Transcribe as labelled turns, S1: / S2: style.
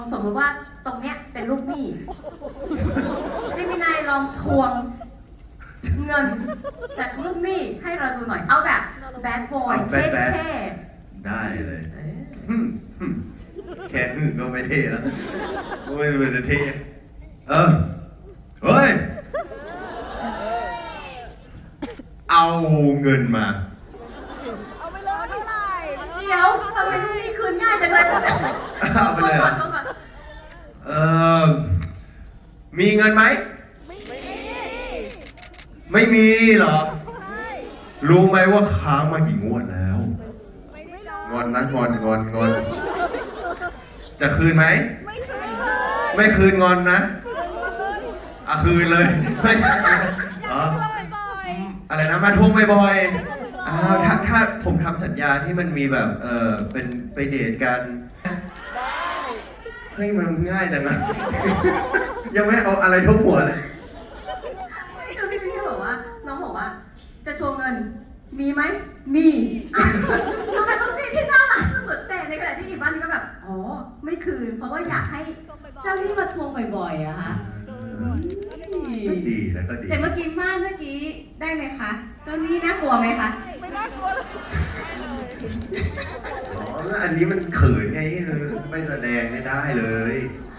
S1: สมมติว่าตรงเนี้ยเป็นลูกหนี้จิมินายลองทวงเงินจากลูกหนี้ให้เราดูหน่อย เอาแบบแบดบอยเท่
S2: ได้เลย แค่นึงก็ไม่เท่แล้วไม่เป็นเท่เฮ้ย เอาเงินมา
S3: เอาไปเลยเท่าไหร่
S1: เดี๋ยวทำไมลูกหนี้คืนง่ายจังเลย
S2: เอาไปเลยเหรอ
S1: โทษก่อน
S2: มีเงินไหม ไม่มีเหรอ รู้ไหมว่าค้างมากี่งวดแล้ว งอนนะงอน จะคืนไหม ไม่คืนงอนนะคืนเลยไม่อะไรนะมาทวงบ่อยๆถ้าผมทำสัญญาที่มันมีแบบเป็นไปเดทกันเฮ้ยมันง่ายจังนะ ยังไม่เอาอะไรทุบหัวเลย
S1: คือพี่พี่บอกว่าน้องบอกว่าจะทวงเงินมีไหมมีคือเป็นลูกหนี้ที่น่ารักสุดแต่ในขณะที่อีกบ้านนี้ก็แบบอ๋อไม่คืน เพราะว่าอยากให้เจ้าหนี้มาทวงบ่อยๆอะค่ะ
S2: ก็ดีแล้วก็ดี
S1: แต่เมื่อกี้ได้ไหมคะ เจ้าหนี้น่ากลัวไหมคะ
S3: ไม่น่ากลัวเลย
S2: อ๋ออันนี้มันเขินไงไม่แสดงไม่ได้เลย
S1: อ